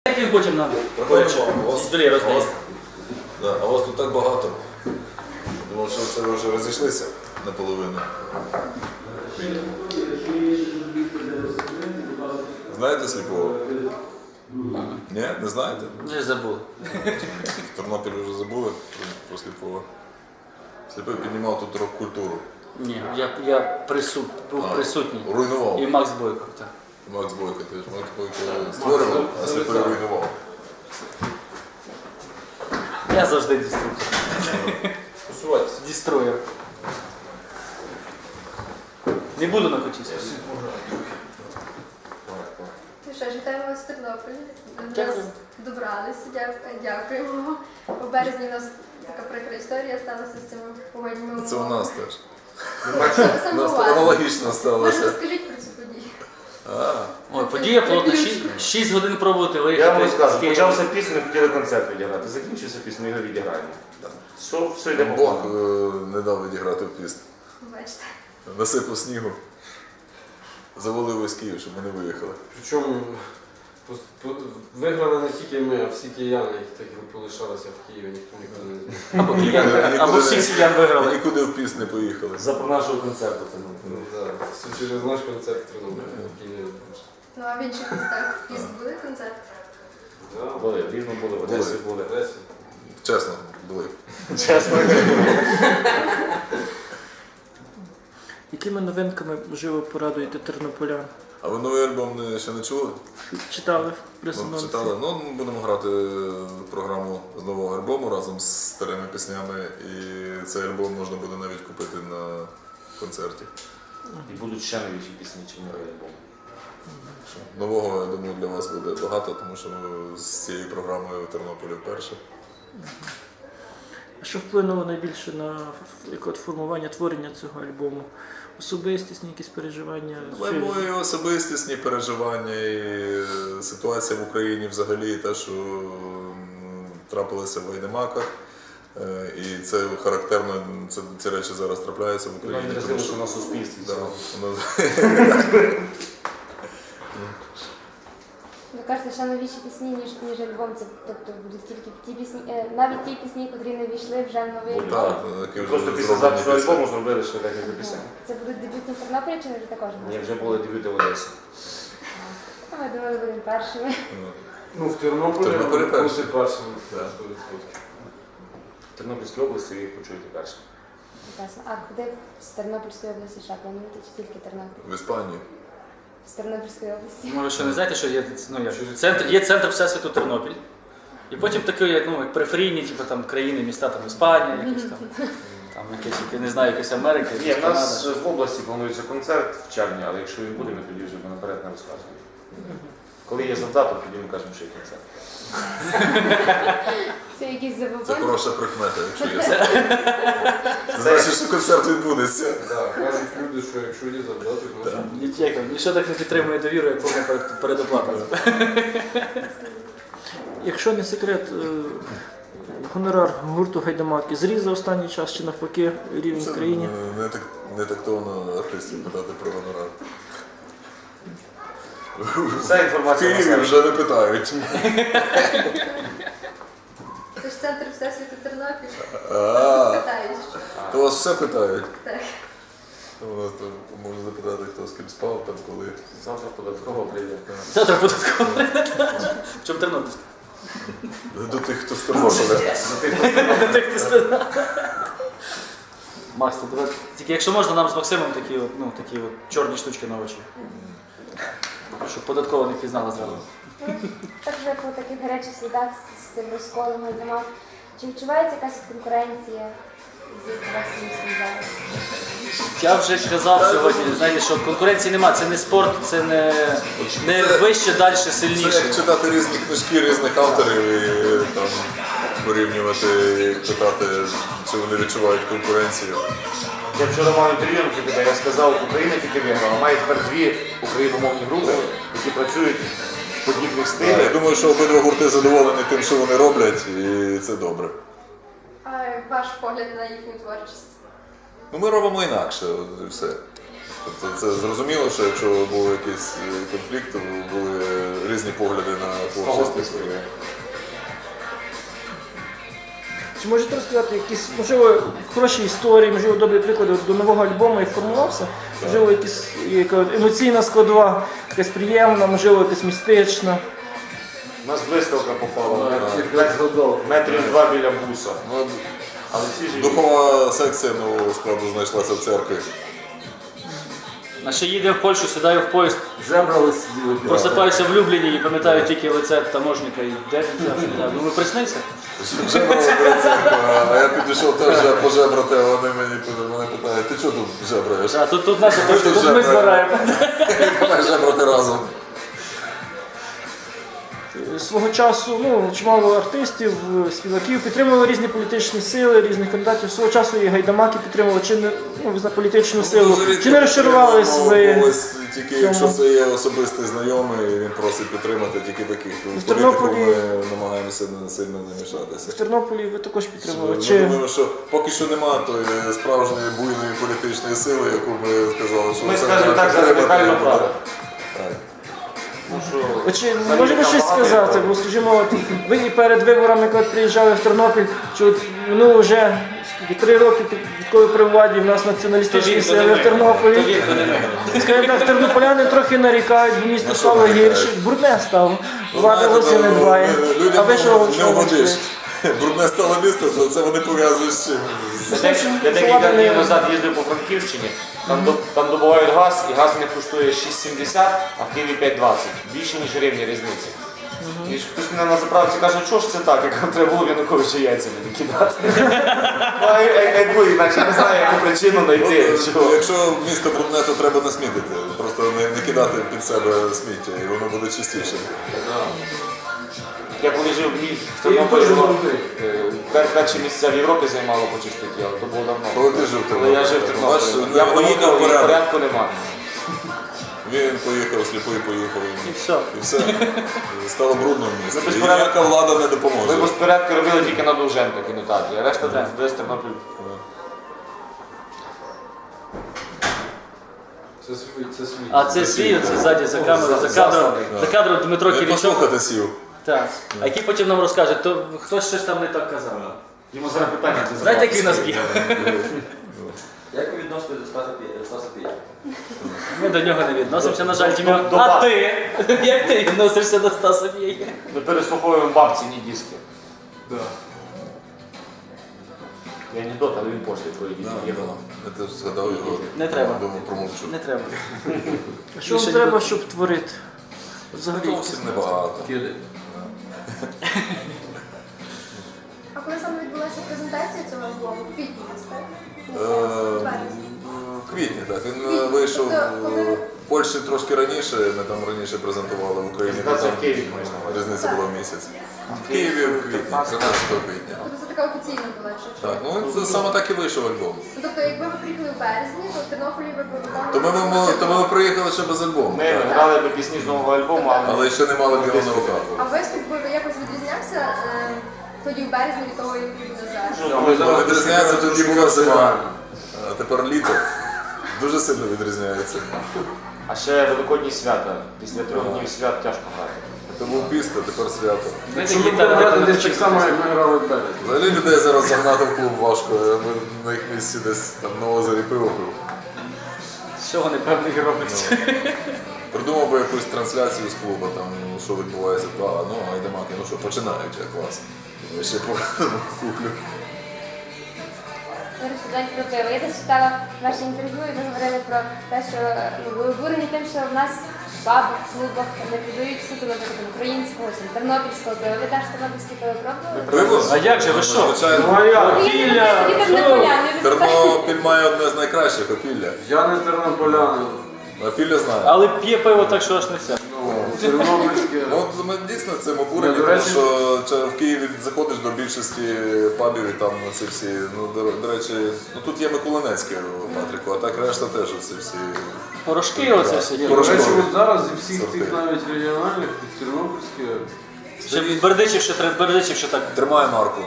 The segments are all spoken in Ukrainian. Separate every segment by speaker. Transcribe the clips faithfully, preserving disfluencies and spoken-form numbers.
Speaker 1: Як він потім нам
Speaker 2: Проходимо.
Speaker 1: столі роздається?
Speaker 2: Да, а вас тут так багато. Думав, що це ви вже розійшлися наполовину. Знаєте Сліпого? Ні, не знаєте?
Speaker 1: Вже забули.
Speaker 2: В Тернополі вже забули про Сліпого. Сліпий піднімав тут рок-культуру.
Speaker 1: Ні, я, я присут, був
Speaker 2: А,
Speaker 1: присутній.
Speaker 2: Руйнував.
Speaker 1: І Макс Бойко, так.
Speaker 2: Макс Бойко теж. Макс Бойко створював, а Сліпий руйнував.
Speaker 1: Я завжди деструктор. Дестроєр. Не буду на коті.
Speaker 3: Ну що ж, вітаємо вас в Тернополі. До нас
Speaker 1: Дякую.
Speaker 3: добралися, дя- дякуємо. У березні у нас така прикра історія сталася з цими погодніми умовами.
Speaker 2: Це у нас теж.
Speaker 3: Саме
Speaker 2: У нас
Speaker 3: у вас.
Speaker 2: аналогічно
Speaker 3: Може,
Speaker 2: сталося.
Speaker 3: розкажіть про цю подію.
Speaker 2: А,
Speaker 1: Ой, подія плотна. шість годин пробувати виїхати.
Speaker 4: Я вам розказую,
Speaker 1: з Києва.
Speaker 4: почався пісню, ми хотіли концерт відіграти. Закінчився пісню, ми його відіграємо. Все, все йде по
Speaker 2: Бог
Speaker 4: плану.
Speaker 2: е, не дав відіграти в пісню.
Speaker 3: Бачите.
Speaker 2: Насипав снігу. Завалив із Київ, щоб ми не виїхали.
Speaker 5: Причому пос- по- виграли не тільки ми, а всі кияни, які так і полишалися в Києві, ніхто нікуди не зміг.
Speaker 1: Або киян, або всіх сіян виграли.
Speaker 2: Нікуди в пісню не поїхали.
Speaker 4: За про нашого концерту. Це,
Speaker 5: Ну,
Speaker 4: ну,
Speaker 5: да. Все через наш концерт в Тернополі, в Києві.
Speaker 3: Ну а в інших містах в Піст були концерт?
Speaker 5: Да.
Speaker 4: були, в Рівному були, в Одесі були.
Speaker 5: Одесі.
Speaker 2: Чесно, були.
Speaker 4: Чесно.
Speaker 6: Якими новинками живо порадуєте тернополян?
Speaker 2: А ви новий альбом не- ще не чули?
Speaker 6: Читали в
Speaker 2: Ну,
Speaker 6: прес-анонсі?
Speaker 2: читали. Ну, ми будемо грати програму з нового альбому разом з старими піснями. І цей альбом можна буде навіть купити на концерті.
Speaker 4: І будуть ще новіші пісні, чим новий альбом.
Speaker 2: Нового, я думаю, для вас буде багато, тому що ми з цією програмою в Тернополі вперше.
Speaker 6: А що вплинуло найбільше на ф- як от формування творення цього альбому? Особистісні якісь переживання?
Speaker 2: Але
Speaker 6: Чи-
Speaker 2: мої особистісні переживання і е, ситуація в Україні взагалі, і те, що м, трапилося в Вайнемаках. Е, І це характерно, це, ці речі зараз трапляються в
Speaker 4: Воно
Speaker 2: Україні. тому
Speaker 4: відразилося
Speaker 2: що-
Speaker 4: на суспільстві.
Speaker 2: Да,
Speaker 4: цілому.
Speaker 2: воно-
Speaker 7: Ви кажете, що новіші пісні, ніж, ніж альбом. Це, тобто будуть тільки ті пісні, е, навіть ті пісні, котрі не війшли вже в новий альбом.
Speaker 2: Так, які вже
Speaker 4: Просто після
Speaker 2: зроблені
Speaker 4: запису
Speaker 2: пісні.
Speaker 4: альбому зробили ще декілька пісень.
Speaker 7: Це будуть дебютні в Тернополі чи не вже також?
Speaker 4: Ні, вже були дебюти в Одесі.
Speaker 7: А ми думали, будемо першими.
Speaker 5: Ну, в Тернополі
Speaker 2: В Тернополі
Speaker 5: бути
Speaker 2: перший.
Speaker 5: першим.
Speaker 2: Да.
Speaker 5: сто відсотків.
Speaker 4: В Тернопільській області ви їх почуєте перше.
Speaker 7: Прекрасно. А куди з Тернопільської області ще плануєте, чи тільки Тернопіль?
Speaker 2: В Іспанії.
Speaker 7: З Тернопільської області.
Speaker 1: Може, що не знаєте, що є, ну, як, центр, є центр Всесвіту Тернопіль. І потім такі, як, ну, як периферійні, типу, там, країни, міста, там, Іспанія, якісь там, там якісь, я не знаю, якась Америка,
Speaker 4: Ні,
Speaker 1: якась
Speaker 4: в нас
Speaker 1: Канада.
Speaker 4: в області планується концерт в червні, але якщо він буде, ми тоді вже наперед не розказуємо. Коли є завдаток, тоді ми кажемо, що є концерт.
Speaker 7: Це якісь
Speaker 2: Це
Speaker 7: забобони.
Speaker 2: хороша прикмета, якщо є. Це значить, що концерт відбудеться.
Speaker 5: Да, кажуть люди, що якщо є завдаток, значить
Speaker 1: Ні- Ніщо так не підтримує довіру, як повна перед- передоплата.
Speaker 6: Якщо не секрет, е, гонорар гурту Гайдамаки зріс за останній час чи навпаки рівень
Speaker 2: Це
Speaker 6: в країні?
Speaker 2: е, не так не тактовно артистів питати про гонорар.
Speaker 4: Вся
Speaker 2: В
Speaker 4: інформація на
Speaker 2: Києві
Speaker 4: сайті.
Speaker 2: вже не питають.
Speaker 3: Це ж центр Всесвіту Тернопіль.
Speaker 2: А,
Speaker 3: Питаєш.
Speaker 2: то вас все питають.
Speaker 3: Так.
Speaker 2: У нас там можна запитати, хто з ким спав, там коли.
Speaker 4: Завтра податково прийде.
Speaker 1: Завтра податково. В чому Тернопільська?
Speaker 2: До тих, хто з Тернополя.
Speaker 1: Так ти стара. Макс, ти давай. Тільки якщо можна, нам з Максимом такі, от, ну, такі от чорні штучки на очі. Щоб податково не впізнала зразу.
Speaker 7: Ну, так вже по таких гарячих слідах з, з тим розколом Гайдамак. Чи відчувається якась конкуренція з вашим зараз?
Speaker 1: Я вже казав сьогодні, знаєте, що конкуренції нема, це не спорт, це не, не вище, далі,
Speaker 2: Це
Speaker 1: сильніше.
Speaker 2: як читати різні книжки різних авторів і там порівнювати, і питати, чи вони відчувають конкуренцію.
Speaker 4: Я вчора мав інтерв'ю на тебе, я сказав, Україна тільки виграла. Має тепер дві україномовні групи, які працюють в подібних
Speaker 2: Я
Speaker 4: стилях.
Speaker 2: думаю, що обидва гурти задоволені тим, що вони роблять, і це добре.
Speaker 3: А ваш погляд на їхню творчість?
Speaker 2: Ну, ми робимо інакше, от і все. Тобто це зрозуміло, що якщо був якийсь е, конфлікт, то були різні погляди на творчість.
Speaker 6: Чи можете розказати якісь, можливо, хороші історії, можливо, добрі приклади от до нового альбому, як формувався? Можливо, якісь яка емоційна складова, якась приємна, можливо, якась містична.
Speaker 4: У нас блискавка попала.
Speaker 5: Якраз згадав.
Speaker 4: Метрів два біля буса.
Speaker 2: Ну,
Speaker 4: Але всі живі.
Speaker 2: духова секція нового складу знайшлася в церкві.
Speaker 1: А ще їде в Польщу, сідаю в поїзд,
Speaker 5: Жебрали сиділи.
Speaker 1: просипаюся в Любліні і пам'ятаю тільки лице таможника і де він взявся. Я думаю, приснився?
Speaker 2: Жебрали перед церквою, а я підійшов теж вже пожебрати, а вони мені вони питають, ти чого тут жебраєш?
Speaker 1: А тут, тут наша точка,
Speaker 2: тут
Speaker 1: тут ми
Speaker 2: жебра.
Speaker 1: збираємо.
Speaker 2: Давай жебрати разом.
Speaker 6: Свого часу ну, чимало артистів, співаків підтримували різні політичні сили, різних кандидатів. Свого часу і гайдамаки підтримували чи не ну, ви знаєте, політичну силу,
Speaker 2: Дуже рідко
Speaker 6: чи не розчарувались
Speaker 2: підтримуємо
Speaker 6: ви?
Speaker 2: когось, тільки
Speaker 6: цьому?
Speaker 2: якщо це є особистий знайомий, він просить підтримати тільки таких. В політику
Speaker 6: Тернополі-
Speaker 2: ми намагаємося не сильно не мішатися.
Speaker 6: В Тернополі ви також підтримували?
Speaker 2: Ми
Speaker 6: Чи...
Speaker 2: думаємо, що поки що немає тої справжньої буйної політичної сили, яку ми сказали, що
Speaker 4: Ми
Speaker 2: це
Speaker 4: скажемо
Speaker 2: треба
Speaker 4: так, за
Speaker 2: підтримати.
Speaker 4: радикальну правду.
Speaker 2: Так.
Speaker 4: Ну, що,
Speaker 6: Ви Чи
Speaker 4: взагалі
Speaker 6: можете
Speaker 4: там
Speaker 6: щось
Speaker 4: багато
Speaker 6: сказати?
Speaker 4: є.
Speaker 6: Бо скажімо, от, ви і перед виборами, коли приїжджали в Тернопіль, чи от минуло вже скільки, три роки, під- відколи при владі в нас націоналістичні сили в
Speaker 1: То
Speaker 6: Тернополі.
Speaker 1: він, то не ми.
Speaker 6: Скажімо так, тернополяни трохи нарікають, бо місто
Speaker 2: На що
Speaker 6: стало
Speaker 2: нарікають?
Speaker 6: гірше, брудне стало.
Speaker 2: Ну,
Speaker 6: Влада
Speaker 2: знаєте,
Speaker 6: зовсім не
Speaker 2: то,
Speaker 6: дбає.
Speaker 2: е,
Speaker 6: А
Speaker 2: Людям
Speaker 6: ви що
Speaker 2: не вгодиш. Брудне стало місто, то це вони пов'язують з чим?
Speaker 4: Я дек- Я декілька днів назад їздив по Франківщині, там, до- там добувають газ, і газ не коштує шість сімдесят, а в Києві п'ять двадцять. Більше, ніж гривні різниці. І ж хтось мене на заправці каже, що ж це так, як треба було Януковича яйцями не кидати. Ну, а як- якби, іначе не знаю, яку причину знайти.
Speaker 2: От,
Speaker 4: чого.
Speaker 2: якщо місто брудне, то треба не смітити. Просто не, не кидати під себе сміття, і воно буде чистіше.
Speaker 4: Я коли жив в мі- в
Speaker 5: І
Speaker 4: Тернополі,
Speaker 5: дуже
Speaker 4: воно,
Speaker 5: добре.
Speaker 4: е, пер- перші місця в Європі займало по чистоті, але то було давно.
Speaker 2: Коли ти жив в
Speaker 4: Коли я жив в
Speaker 2: Тернополі? Бачиш,
Speaker 4: Тернополі. Я
Speaker 2: не- не
Speaker 4: поїхав,
Speaker 2: буде
Speaker 4: і
Speaker 2: порядку.
Speaker 4: порядку немає.
Speaker 2: Він поїхав, сліпий поїхав.
Speaker 1: І все.
Speaker 2: І все. Стало брудно в місті.
Speaker 4: без
Speaker 2: І
Speaker 4: порядку.
Speaker 2: ніяка влада не
Speaker 4: Ми
Speaker 2: допоможе.
Speaker 4: безпорядки робили тільки на Довженка кінотеатрі, а решта
Speaker 1: Так.
Speaker 4: десь Тернопіль.
Speaker 5: Це свій, це свій.
Speaker 1: А це свій, оце ззаді за камерою, за кадром, за кадром Дмитро
Speaker 2: Я
Speaker 1: Кірічов.
Speaker 2: послухати сів.
Speaker 1: Так. А який потім нам розкаже, то хтось щось там не так казав.
Speaker 4: Йому зараз питання. ти
Speaker 1: Знаєте,
Speaker 4: задав.
Speaker 1: який нас б'є?
Speaker 8: Як ви відноситесь до Стаса Пі- Стаса Пітя?
Speaker 1: Ми до нього не відносимося, на жаль, Дім'ян.
Speaker 4: До- до
Speaker 1: А
Speaker 4: баб.
Speaker 1: ти? Як ти відносишся до Стаса П'єя?
Speaker 4: Ми переслуховуємо бабці, ні диски.
Speaker 5: Да.
Speaker 4: Я анекдот, але він пошлий проїдіть.
Speaker 2: Я теж згадав його.
Speaker 1: Не треба.
Speaker 2: Думав, промовчу.
Speaker 1: Не треба.
Speaker 6: А що вам
Speaker 1: Більше
Speaker 6: треба,
Speaker 1: ніхто-
Speaker 6: щоб творити? Взагалі.
Speaker 2: Зовсім небагато.
Speaker 5: Киди.
Speaker 3: А коли саме відбулася презентація цього альбому? В квітні, так?
Speaker 2: Е,
Speaker 3: Березні.
Speaker 2: В квітні, так. Він е, вийшов
Speaker 3: Тобто, коли-
Speaker 2: в Польщі трошки раніше, ми там раніше презентували в Україні. бо
Speaker 4: Презентація
Speaker 2: там
Speaker 4: в Києві, маєш на увазі.
Speaker 2: Різниця була в місяць. В Києві в квітні, тринадцятого квітня.
Speaker 3: Тобто це така офіційна була, якщо що.
Speaker 2: Так, ну це саме так і вийшов альбом.
Speaker 3: Ну, тобто, якби ви приїхали в березні, то в Тернополі ви б виконували...
Speaker 2: То ми, ми, то ми приїхали ще без альбому.
Speaker 4: Ми
Speaker 2: так.
Speaker 4: грали до пісні з нового альбому, але
Speaker 2: Але ще не мали бігу на руках.
Speaker 3: А виступ би якось відрізнявся е, тоді в березні від того, який буде зараз?
Speaker 5: Ми
Speaker 2: Ну, відрізняється,
Speaker 5: шукаємо
Speaker 2: тоді була зима.
Speaker 5: реально.
Speaker 2: А тепер літо. Дуже сильно відрізняється.
Speaker 4: а ще Великодні свята. Після трьох днів свят тяжко грати.
Speaker 2: Це був піст, а тепер свято.
Speaker 5: Якщо ми будемо грати десь так само, як ми грали в березні.
Speaker 2: Взагалі людей зараз загнати в клуб важко. Я би на їх місці десь там на озері пиво пив.
Speaker 1: З чого непевних робиться?
Speaker 2: Придумав би якусь трансляцію з клубу, там, ну, що відбувається, а, ну, айдамаки, ну що, починають, як клас. Я ще по куплю.
Speaker 7: До речі, знаєте, про пиво. Я десь читала ваше інтерв'ю, і ви говорили про те, що ну, ви обурені тим, що в нас в пабах, клубах не продають суто, наприклад, українського, чи тернопільського пива. Ви теж тернопільське пиво пробували?
Speaker 2: Пиво?
Speaker 1: А як же, ви що?
Speaker 2: Звичайно.
Speaker 5: Ну а я?
Speaker 7: Опілля!
Speaker 2: Тернопіль має одне з найкращих опілля.
Speaker 5: Я не тернополянин.
Speaker 2: Опілля знає.
Speaker 1: Але п'є пиво так, що аж не все.
Speaker 5: Ну, тернопільське.
Speaker 2: Ну, от ми дійсно цим обурені,
Speaker 5: Ну, до
Speaker 2: тому
Speaker 5: речі-
Speaker 2: що чи в Києві заходиш до більшості пабів і там ці всі, ну, до, до речі, ну тут є Миколинецьке у Патрику, а так решта теж оці всі.
Speaker 1: Порошки оце все
Speaker 5: До
Speaker 1: є.
Speaker 2: Порошки.
Speaker 5: речі, от зараз зі всіх
Speaker 2: Сорти.
Speaker 5: цих навіть регіональних, тернопільське,
Speaker 1: Ще Бердичів, ще треба Бердичів, ще так.
Speaker 2: Тримає марку.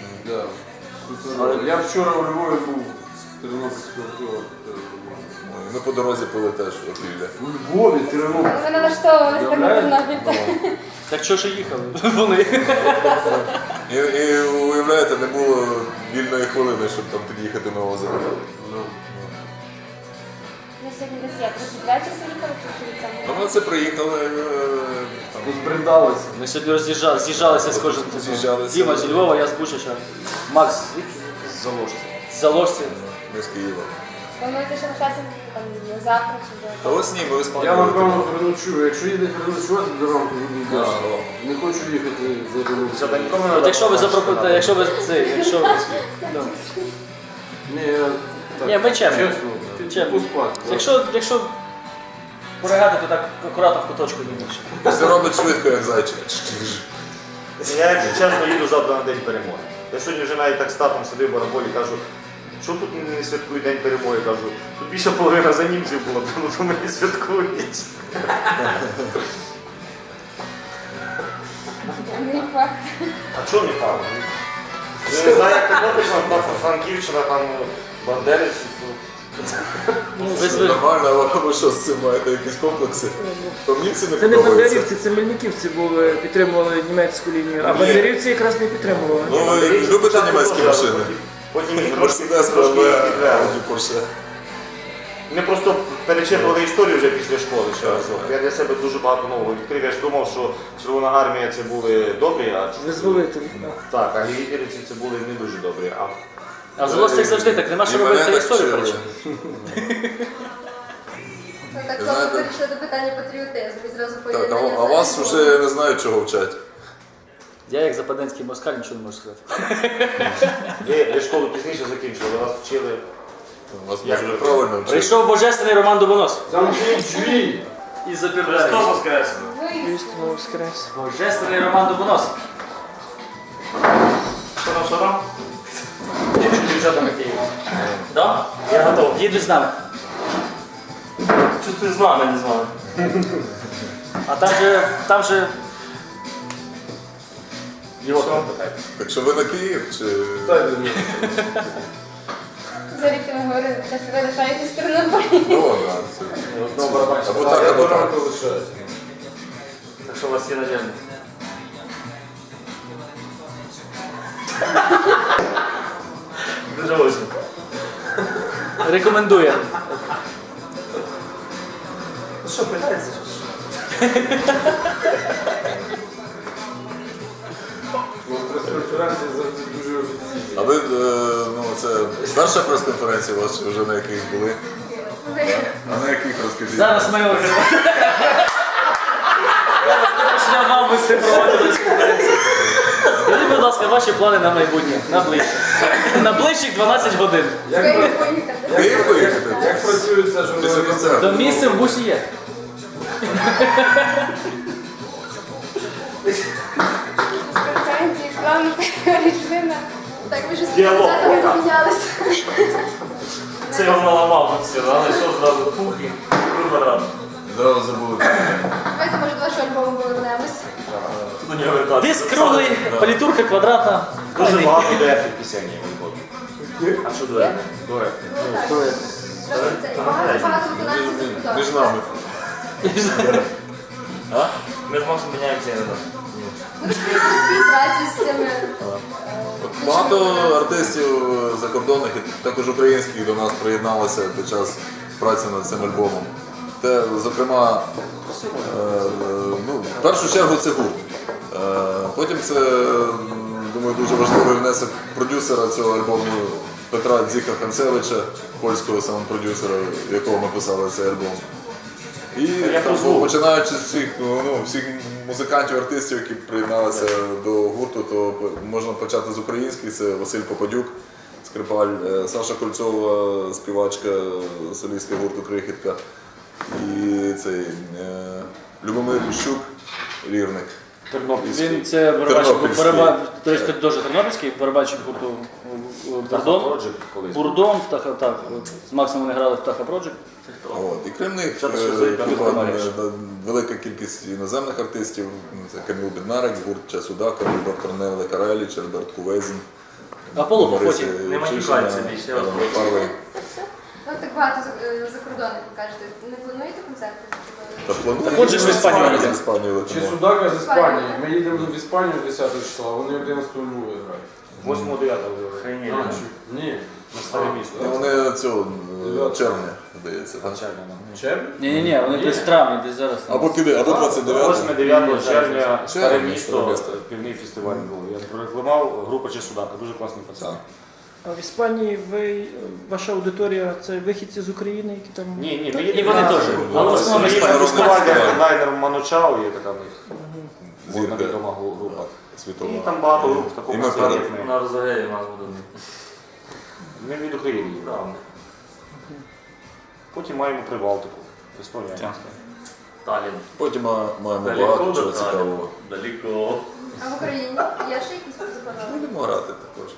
Speaker 5: да. Супер. Я вчора у Львові був тернопільського пива. теж було.
Speaker 2: Ми по дорозі пили теж опілля.
Speaker 5: У Львові, Тернопіль.
Speaker 7: Але ми налаштовувалися так на Тернопіль.
Speaker 1: Так чого ж їхали? Вони.
Speaker 2: І, і уявляєте, не було вільної хвилини, щоб там під'їхати на озеро.
Speaker 7: Ми сьогодні десь як, трохи двечір приїхали, чи від
Speaker 2: А
Speaker 7: самого?
Speaker 2: ми це приїхали, е, там,
Speaker 5: Позбридалися.
Speaker 1: Ми сьогодні роз'їжджали, з'їжджалися з кожним.
Speaker 2: З'їжджалися.
Speaker 1: Діма зі Львова, я з Бучача. Макс звідки?
Speaker 2: з Заложки.
Speaker 1: З Заложці.
Speaker 2: Ми з Києва.
Speaker 7: Плануєте ще лишатися там завтра чи
Speaker 2: Та
Speaker 7: до?
Speaker 2: ось ні, ми в Іспанії.
Speaker 5: Я напевно переночую. Якщо їде переночувати до ранку,
Speaker 2: А,
Speaker 5: буду
Speaker 2: о.
Speaker 5: Не хочу їхати за
Speaker 4: Все,
Speaker 5: дорогу.
Speaker 4: так нікому не
Speaker 1: От якщо ви
Speaker 4: треба,
Speaker 1: запропонуєте, якщо ви це, якщо ви. Ну.
Speaker 5: Ні, я так,
Speaker 1: Ні, ми чемні.
Speaker 5: чесно.
Speaker 1: Чемні.
Speaker 5: Поспати.
Speaker 1: Якщо, якщо поригати, то так акуратно в куточку не більше.
Speaker 2: Все робить швидко, як зайчик.
Speaker 4: Я, якщо чесно, їду завтра на день перемоги. Я сьогодні вже навіть так з татом сидив в бараболі, кажу, що тут не святкують день перемоги? Кажу, тут більше половина за німців було, тому то ми не святкують.
Speaker 7: Не факт.
Speaker 4: А чого не факт? Я не знаю, як Тернопільщина, там Франківщина, там Бандерівці.
Speaker 1: Ви звикли.
Speaker 2: Нормально, а ви що з цим маєте якісь комплекси? Там німці не
Speaker 6: Це не
Speaker 2: подобаються.
Speaker 6: бандерівці, це мельниківці були, підтримували німецьку лінію, а бандерівці якраз не підтримували.
Speaker 2: Ну, ви любите німецькі машини?
Speaker 4: Потім їх трошки
Speaker 2: Мерседес,
Speaker 4: трошки
Speaker 2: БМВ,
Speaker 4: підвели.
Speaker 2: Ауді, Порше.
Speaker 4: Ми просто перечитували історію вже після школи ще разок. Я для себе дуже багато нового відкрив. Я ж думав, що Червона армія це були добрі, а
Speaker 6: Визволителі.
Speaker 4: так, а гітлерівці це були не дуже добрі. А
Speaker 1: А в Заложцях завжди так, нема що
Speaker 2: І
Speaker 1: робити,
Speaker 2: мене
Speaker 1: це
Speaker 2: так
Speaker 1: історію
Speaker 2: вчили.
Speaker 1: перечити.
Speaker 3: Ну, так
Speaker 2: Знаєте-
Speaker 3: просто перейшли до питання патріотизму і зразу
Speaker 2: Так,
Speaker 3: поєднання.
Speaker 2: а, а вас
Speaker 3: з-
Speaker 2: вже не знаю, чого вчать.
Speaker 1: Я як западенський москаль нічого не можу сказати.
Speaker 4: ви, ви школу пізніше закінчили, вас вчили.
Speaker 2: Вас
Speaker 4: Як
Speaker 2: може
Speaker 4: ви?
Speaker 2: правильно вчать.
Speaker 1: Прийшов божественний Роман Дубонос.
Speaker 5: Замкніть дві!
Speaker 1: І запіває.
Speaker 4: воскрес!
Speaker 6: Істинно воскрес.
Speaker 1: Божественний Роман Дубонос.
Speaker 4: Що там, що там?
Speaker 1: Дівчата на Києві. Да? Я готовий. Їдуть з нами.
Speaker 4: Чувствую з нами, не з вами.
Speaker 1: А там же, там же... Його там питають.
Speaker 2: Так що ви на Київ чи...
Speaker 5: Дай мені.
Speaker 7: За рік ми говорили, що ви лишаєтесь в Тернополі.
Speaker 2: Ну, да, це...
Speaker 1: Знову барабанщик.
Speaker 2: Або так, або так.
Speaker 5: ранку лишаюся.
Speaker 1: Так що у вас є надіжда.
Speaker 4: Дуже очень.
Speaker 1: Рекомендує.
Speaker 4: Ну що, питається?
Speaker 5: У нас прес-конференція завжди дуже офіційна.
Speaker 2: А ви, е, ну, це перша прес-конференція у вас, чи вже на яких були? А на яких розкажіть?
Speaker 1: Зараз ми вже... Я вам би це проводили конференцію. Скажіть, будь ласка, ваші плани на майбутнє, на ближче. На ближчих дванадцять годин.
Speaker 5: Як,
Speaker 3: Київ
Speaker 5: пра-
Speaker 3: поїхати.
Speaker 2: В Київ поїхати?
Speaker 5: як працює ця
Speaker 2: Після
Speaker 5: журналістика?
Speaker 2: концерту.
Speaker 1: До місця в бусі є.
Speaker 7: З конференції плану перейшли на...
Speaker 3: Так, ви ж з
Speaker 4: Діалог.
Speaker 3: депутатами помінялися.
Speaker 4: Це його наламав тут все, але що зразу фух і вибирав.
Speaker 2: Зразу забули.
Speaker 3: Давайте, може, до вашого альбому повернемось.
Speaker 4: До нього вертатися.
Speaker 1: Диск круглий, палітурка квадратна.
Speaker 4: Дуже багато дуетних пісень є в альбомі. А що дуетних? Дуетних.
Speaker 3: Ну, так. Просто це. І Багато, багато виконавців закордонних.
Speaker 2: Між нами.
Speaker 4: А? Ми з Максом міняємося іноді.
Speaker 3: Буде співпраці з цими.
Speaker 2: От Багато артистів закордонних і також українських до нас приєдналося під час праці над цим альбомом. Те, зокрема, е, ну, в першу чергу це гурт. Е, Потім це, думаю, дуже важливий внесок продюсера цього альбому Петра Дзіка Ханцевича, польського саунд-продюсера, в якого ми писали цей альбом. І
Speaker 4: як
Speaker 2: там,
Speaker 4: звук?
Speaker 2: починаючи з всіх, ну, всіх музикантів, артистів, які приєдналися до гурту, то можна почати з українських. Це Василь Попадюк, скрипаль, е, Саша Кольцова, співачка, солістка гурту Крихітка. І цей е, Любомир Ліщук, лірник.
Speaker 1: Тернопільський. Він це барабанщик,
Speaker 2: Тернопільський.
Speaker 1: бараба- до речі, дуже тернопільський, барабанщик гурту Бурдон.
Speaker 4: Project колись.
Speaker 1: Бурдон, Птаха, так, от, з Максом вони грали в Птаха Project.
Speaker 2: От. І крім них,
Speaker 1: Що ти
Speaker 2: е,
Speaker 1: ще заїхав?
Speaker 2: тут,
Speaker 1: Виконавець.
Speaker 2: е, велика кількість іноземних артистів. Це Каміл Біднарик, гурт Часудака, доктор Неле Кареліч, Альберт Кувезін.
Speaker 1: Аполло
Speaker 2: Бориси
Speaker 1: Фофоті.
Speaker 4: Не
Speaker 2: Чишина,
Speaker 4: матюкайтеся більше, я вас
Speaker 2: Іван
Speaker 4: прошу.
Speaker 2: Парлий.
Speaker 3: Ну, так так багато за, е, за кордоном, ви кажете. Не плануєте концерти?
Speaker 2: Та плануємо.
Speaker 1: Так от же ж в Іспанію
Speaker 2: З
Speaker 1: їдемо.
Speaker 2: Іспанії
Speaker 5: Чи
Speaker 2: летимо.
Speaker 5: Судака з Іспанії. Ми їдемо в Іспанію десятого числа, а вони одинадцятого Львові грають.
Speaker 4: восьмого-дев'ятого.
Speaker 5: А, чи- Ні.
Speaker 4: На старе місто.
Speaker 2: Ну, Вони цього е, червня, здається. так?
Speaker 5: Червень?
Speaker 1: Ні-ні-ні, вони десь в травні, десь зараз. там.
Speaker 2: Або піде, або двадцять дев'ятого.
Speaker 4: восьмого-дев'ятого червня старе
Speaker 2: Червня,
Speaker 4: місто,
Speaker 2: місто.
Speaker 4: півний фестиваль був. Я прорекламував група Чесудака, дуже класний пацан.
Speaker 2: Так.
Speaker 6: А в Іспанії ви, ваша аудиторія це вихідці з України, які там.
Speaker 4: Ні, ні, ми
Speaker 1: І
Speaker 4: їдемо
Speaker 1: вони
Speaker 4: на-
Speaker 1: теж.
Speaker 4: Ну,
Speaker 1: Але в основному
Speaker 4: Ми їдемо на
Speaker 2: Іспанія.
Speaker 4: фестиваль, де
Speaker 2: Іспанія.
Speaker 4: хедлайнер Манучао, є така в них
Speaker 2: Зірка.
Speaker 4: модна відома група.
Speaker 2: Світова.
Speaker 4: І там багато груп в
Speaker 2: І
Speaker 4: такому
Speaker 2: ми
Speaker 4: стилі,
Speaker 2: перед-
Speaker 4: як ми.
Speaker 8: На Розагеї у нас буде.
Speaker 4: Ми від України їдемо. Потім маємо Прибалтику, Естонія.
Speaker 8: Талін.
Speaker 2: Потім ма- маємо
Speaker 8: Далеко
Speaker 2: багато
Speaker 8: до
Speaker 2: чого
Speaker 8: Таліна.
Speaker 2: цікавого.
Speaker 3: А
Speaker 8: Далеко.
Speaker 3: в Україні є ще якісь заплановані?
Speaker 2: Будемо грати також.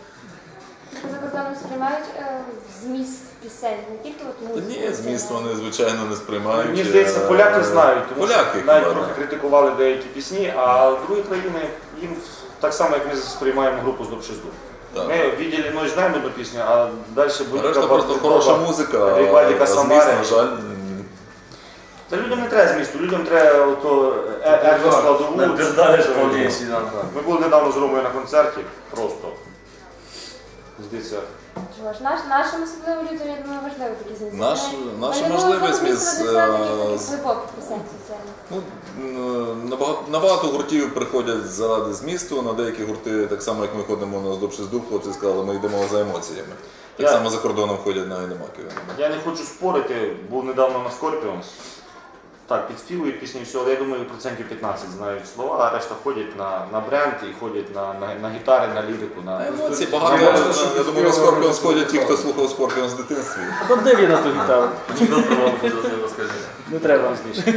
Speaker 7: За кордоном сприймають е, зміст пісень, не тільки от
Speaker 2: Та
Speaker 7: музику.
Speaker 2: ні, зміст вони, звичайно, не сприймають.
Speaker 4: Мені здається,
Speaker 2: Е,
Speaker 4: поляки знають, тому
Speaker 2: Поляки,
Speaker 4: що навіть
Speaker 2: хіба,
Speaker 4: трохи
Speaker 2: да.
Speaker 4: критикували деякі пісні, а другі країни їм так само, як ми сприймаємо групу з Добшизду.
Speaker 2: Так.
Speaker 4: Ми відділі ночь знаємо одну пісню, а далі
Speaker 2: А
Speaker 4: буде
Speaker 2: решта просто хороша музика,
Speaker 4: Рибальдіка
Speaker 2: а зміст,
Speaker 4: Самари.
Speaker 2: на жаль, м,
Speaker 4: Та людям не треба змісту, людям треба ото екоскладову.
Speaker 8: Не пиздалиш повністю.
Speaker 4: Ми були недавно з Ромою на концерті, просто. Здається,
Speaker 7: Чого ж, наш, нашим особливо людям, я думаю, важливо такі змісти.
Speaker 2: Наш-
Speaker 7: Вони-
Speaker 2: наша
Speaker 7: вони
Speaker 2: можливість
Speaker 7: можуть
Speaker 2: з,
Speaker 7: написати
Speaker 2: е,
Speaker 7: таких
Speaker 2: з-
Speaker 7: глибоких пісень соціальних.
Speaker 2: ну, м, набагато, набагато гуртів приходять заради змісту, на деякі гурти, так само як ми ходимо на Здобшизду, хлопці сказали, ми йдемо за емоціями. Так
Speaker 4: Я-
Speaker 2: само за кордоном ходять на Гайдамаки.
Speaker 4: я не хочу спорити, був недавно на Scorpions. Так, підспівують пісні, все, але я думаю, процентів п'ятнадцять знають слова, а решта ходять на, на бренд і ходять на, на, на гітари, на лірику. На...
Speaker 2: Емоції багато.
Speaker 5: Я
Speaker 2: Я,
Speaker 5: бачу, що
Speaker 2: я думаю, на Скорпіон сходять ті, хто слухав Скорпіон з дитинстві.
Speaker 6: А де він на ту гітару?
Speaker 8: Ніхто про вам розкажи.
Speaker 6: Не треба.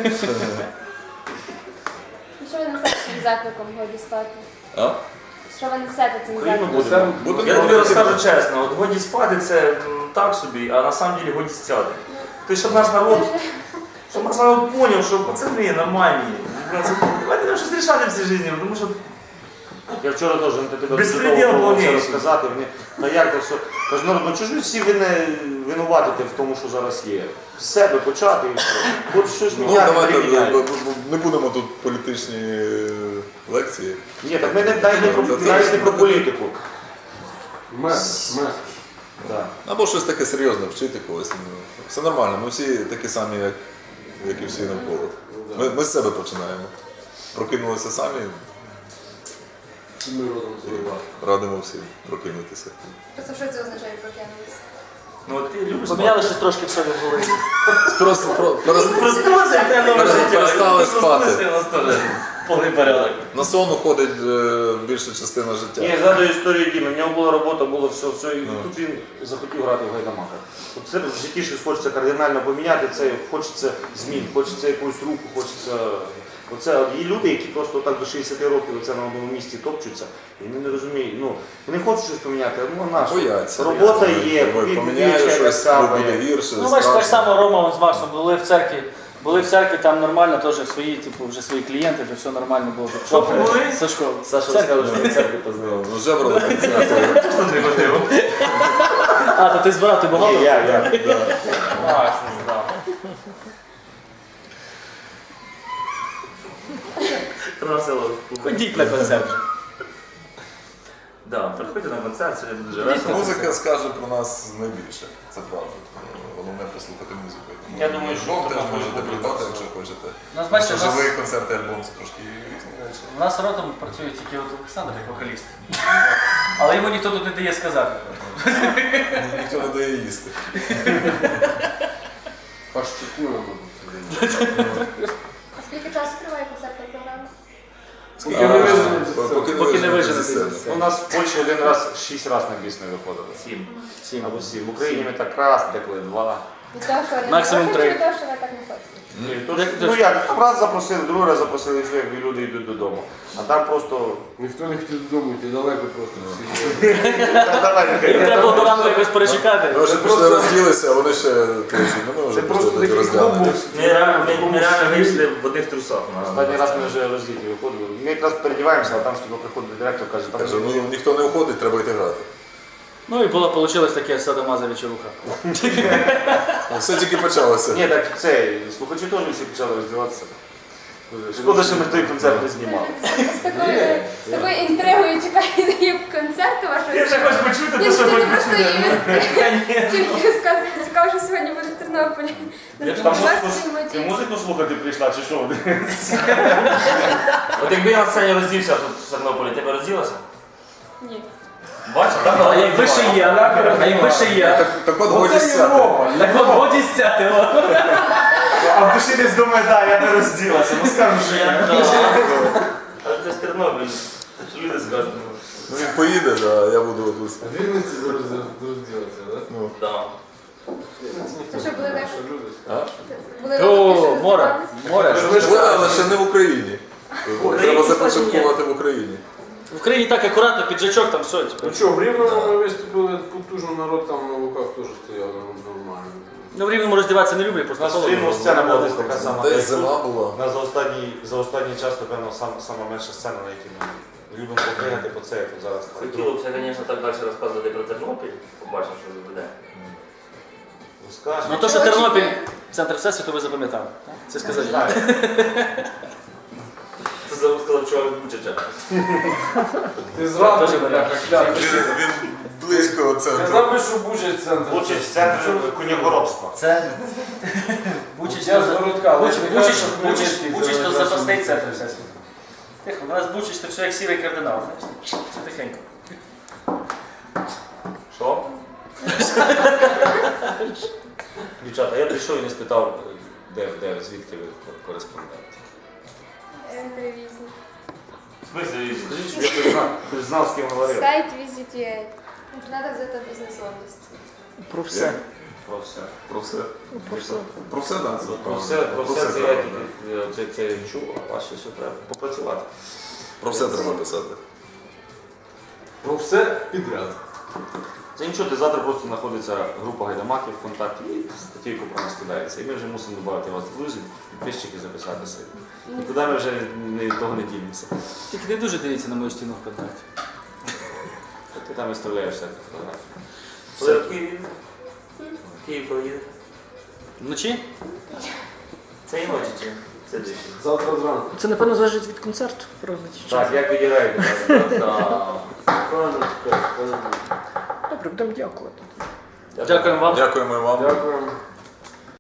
Speaker 7: І що ви несете цим закликом годі спати?
Speaker 2: А?
Speaker 7: Що ви несете цим
Speaker 4: Україну
Speaker 7: закликом?
Speaker 4: будемо.
Speaker 2: Будемо
Speaker 8: Я тобі
Speaker 2: робити.
Speaker 8: розкажу чесно, от годі спати це м, так собі, а на самом деле годі стяти. Ти щоб наш народ, щоб наш народ поняв, що пацани нормальні. Давайте нам щось рішати в цій житті, тому що
Speaker 4: Я вчора теж на тебе
Speaker 8: Безпреділ
Speaker 4: дуже довго
Speaker 8: повністю.
Speaker 4: це розказати. Мені, та як то все? Кажу, народ, ну чого ж ви всі вини, винуватите в тому, що зараз є? З себе почати і все. Хоч щось
Speaker 2: Ну,
Speaker 4: міняти,
Speaker 2: давайте
Speaker 4: приміняйте.
Speaker 2: б- б- б- не будемо тут політичні е, лекції.
Speaker 4: Ні, так ми не, навіть не, про,
Speaker 2: Це- це-
Speaker 4: навіть не про політику.
Speaker 5: Мес, мес.
Speaker 4: Да.
Speaker 2: Або щось таке серйозне вчити когось. Ну, все нормально, ми всі такі самі, як, як і всі навколо. Ми, ми з себе починаємо. Прокинулися самі,
Speaker 5: Ми родом з Львова.
Speaker 2: радимо всім прокинутися.
Speaker 3: Просто що це означає прокинулися?
Speaker 8: ну, от ти любиш
Speaker 6: Поміняли щось трошки в собі в голові.
Speaker 2: Просто про, перес-
Speaker 8: Проснулася і те нове
Speaker 2: Пере-
Speaker 8: життя.
Speaker 2: перестали
Speaker 8: Ти проснулася,
Speaker 2: спати.
Speaker 8: і у нас теж повний порядок.
Speaker 2: на сон уходить е, більша частина життя.
Speaker 4: Ні, я згадую історію Діми. В нього була робота, було все, все, і тут він захотів грати в гайдамаках. От це в житті щось хочеться кардинально поміняти, це хочеться змін, хочеться якусь руху, хочеться. Оце от є люди, які просто так до шістдесят років оце на одному місці топчуться, і вони не розуміють. Ну, вони хочуть щось поміняти, ну а наш.
Speaker 2: Бояться.
Speaker 4: Робота
Speaker 2: Ой,
Speaker 4: є,
Speaker 2: ой, поміняю
Speaker 4: відвідуюча
Speaker 2: щось,
Speaker 4: яка
Speaker 2: буде
Speaker 4: саме.
Speaker 2: гірше,
Speaker 6: Ну, бачиш, так
Speaker 2: страшно.
Speaker 6: само Рома з Максом були в церкві. Були в церкві, там нормально, теж свої, типу, вже свої клієнти, вже все нормально було.
Speaker 8: Що були?
Speaker 6: Сашко.
Speaker 4: Саша
Speaker 6: Церкві.
Speaker 4: розказав, що в церкві познайомив.
Speaker 2: Ну, жебрали концерти.
Speaker 8: Хто не ходив?
Speaker 6: А, то ти збирав, ти багато?
Speaker 4: Ні, я, я.
Speaker 8: Макс не знав. Красиво.
Speaker 6: Ходіть на концерт.
Speaker 8: Да, приходьте на концерт, сьогодні дуже весело.
Speaker 2: Музика скаже про нас найбільше, це правда. Головне послухати музику. Тому
Speaker 4: Я думаю, що
Speaker 2: альбом теж
Speaker 4: можна
Speaker 2: можете
Speaker 4: буде
Speaker 2: придбати,
Speaker 4: просто-
Speaker 2: якщо хочете.
Speaker 6: У нас, бачите,
Speaker 2: Що
Speaker 6: у нас,
Speaker 2: живий концерт і альбом це трошки різні речі.
Speaker 6: у нас родом працює тільки от Олександр, як вокаліст. Але йому ніхто тут не дає сказати.
Speaker 2: Ніхто не дає їсти.
Speaker 5: Паштикуємо тут сидимо.
Speaker 3: А скільки часу триває концертна програма?
Speaker 5: Поки не виженемо зі
Speaker 2: Поки
Speaker 5: сцени.
Speaker 6: Поки не
Speaker 2: виженете
Speaker 6: виженете
Speaker 2: зі сцени.
Speaker 6: зі сцени.
Speaker 4: У нас в Польщі один раз, шість разів на біс не виходили.
Speaker 8: Сім.
Speaker 6: Сім.
Speaker 4: Або сім. В Україні ми так раз, деколи два.
Speaker 7: Від того, що ви не
Speaker 6: Максимум
Speaker 7: хочете,
Speaker 6: три.
Speaker 7: від того, що ви так не хочете.
Speaker 4: Ні, то
Speaker 6: Як
Speaker 4: ж-
Speaker 6: ти
Speaker 4: ну
Speaker 6: ж-
Speaker 4: як, там раз запросили, другий раз запросили, все, як люди йдуть додому. А там просто.
Speaker 5: Ніхто не хотів додому йти, далеко просто всі.
Speaker 4: Та давай,
Speaker 6: Їм
Speaker 4: нехай.
Speaker 6: треба було до ранку якось перечекати.
Speaker 2: Ми вже пішли розділися, а вони ще точно. Ну, ми вже
Speaker 5: Це просто
Speaker 2: пішли
Speaker 5: такий
Speaker 2: роздягнені.
Speaker 5: клуб.
Speaker 8: Ми реально, ми, ми реально вийшли в одних трусах.
Speaker 4: Останній раз ми вже роздіти виходили. Ми якраз передіваємося, а там скільки приходить директор, каже, там
Speaker 2: Каже, ну ніхто не уходить, треба йти грати.
Speaker 1: Ну і було, вийшло таке садомаза вечоруха.
Speaker 2: Ну, все тільки почалося.
Speaker 4: Ні, так це, слухачі теж всі почали роздіватися. Шкода, що ми той концерт не знімали.
Speaker 7: З такою, з такою інтригою чекаю концерту вашого.
Speaker 8: Я вже хочу почути,
Speaker 7: Ні,
Speaker 8: те,
Speaker 7: це
Speaker 8: що
Speaker 7: не
Speaker 8: хоч
Speaker 7: просто
Speaker 8: почути.
Speaker 7: стільки розказує. Цікаво, що сьогодні буде в Тернополі.
Speaker 8: Я ж там музику, ти музику слухати прийшла, чи що? От якби я на сцені роздівся тут в Тернополі, ти б розділася?
Speaker 7: Ні.
Speaker 8: Бачиш, так?
Speaker 1: А якби ще є, а якби ще є.
Speaker 2: Так, так от годі стяти.
Speaker 1: Так от годі стяти.
Speaker 8: А в душі десь думає, так, я не розділася. Ну скажу, що я. Але це ж Тернопіль. Що люди скажуть?
Speaker 2: Ну він поїде, да, я буду тут.
Speaker 5: В Вінниці зараз розділиться, так?
Speaker 2: Ну,
Speaker 8: Так.
Speaker 3: То що були так?
Speaker 5: Що люди?
Speaker 3: Були
Speaker 1: О,
Speaker 3: такі, що
Speaker 1: море.
Speaker 3: роздавалися?
Speaker 1: Море.
Speaker 2: але, але ще не в Україні. Треба започаткувати в Україні.
Speaker 1: В Україні так акуратно, піджачок там все.
Speaker 5: Ну що, в Рівному ми виступили потужно, народ там на луках теж стояв нормально.
Speaker 1: Ну в Рівному роздіватися не люблю,
Speaker 4: У
Speaker 1: просто
Speaker 4: нас в
Speaker 1: холодно.
Speaker 4: Рівному сцена була десь така сама.
Speaker 2: Десь
Speaker 4: як тут.
Speaker 2: зима була.
Speaker 4: У нас за останній, за останній час, напевно, сам, сама менша сцена, на якій ми любимо поприйняти по це, як от зараз.
Speaker 8: Хотіло б, звісно, так далі розказувати про Тернопіль. Побачимо, що буде.
Speaker 4: Ну, скажемо.
Speaker 1: Ну то, що Тернопіль, центр всесвіту, ви запам'ятали. Це сказати.
Speaker 4: Знаю.
Speaker 8: Це забув сказав чоловік Бучича.
Speaker 5: Ти зрадив,
Speaker 1: Теж
Speaker 5: бляха,
Speaker 2: Він,
Speaker 5: кляп.
Speaker 2: він близько центру.
Speaker 5: Казав би, що Бучач центр.
Speaker 4: Бучач – центр конягоробства.
Speaker 1: Це Бучич,
Speaker 5: Я з городка, але
Speaker 1: Бучич,
Speaker 5: не
Speaker 1: Бучич,
Speaker 5: кажу, що
Speaker 1: Бучич,
Speaker 5: Хмельницький це
Speaker 1: Бучич, то
Speaker 5: найкраще
Speaker 1: запасний
Speaker 5: місце.
Speaker 1: центр всесвіту. Тихо, у нас Бучич, це все як сірий кардинал, знаєш? Це тихенько.
Speaker 8: Що?
Speaker 4: Дівчата, я прийшов і не спитав, де, де, звідки ви кореспондент.
Speaker 7: Телевізія.
Speaker 8: В смысле,
Speaker 4: Скажіть, щоб я хтось знав, хтось знав, з ким говорив.
Speaker 7: Сайт Visit.ua.
Speaker 3: Треба взяти бізнес-область.
Speaker 6: Про все.
Speaker 4: Про все.
Speaker 2: Про все.
Speaker 6: Про все.
Speaker 2: Про все, так.
Speaker 4: Про все, про все це я тільки це, це я чув, а вас ще все треба попрацювати.
Speaker 2: Про все треба писати.
Speaker 5: Про все підряд.
Speaker 4: Це нічого, ти завтра просто знаходиться група гайдамаків в ВКонтакті і статейку про нас кидається. І ми вже мусимо додати вас в друзі, підписчики записатися. І туди ми вже не, того не ділимося.
Speaker 1: Тільки не дуже дивіться на мою стіну ВКонтакті.
Speaker 4: Ти там виставляєш всякі фотографії.
Speaker 8: коли в Києві? В Київ коли їде?
Speaker 1: Вночі?
Speaker 8: Це і ночі чи? Це двічі.
Speaker 5: Завтра зранку.
Speaker 6: Це, напевно, залежить від концерту, правда? чи що?
Speaker 4: Так, як відіграєте?
Speaker 5: Правильно, так, правильно.
Speaker 6: Добре, будемо дякувати.
Speaker 1: Дякуємо вам.
Speaker 2: Дякуємо вам.
Speaker 5: Дякуємо.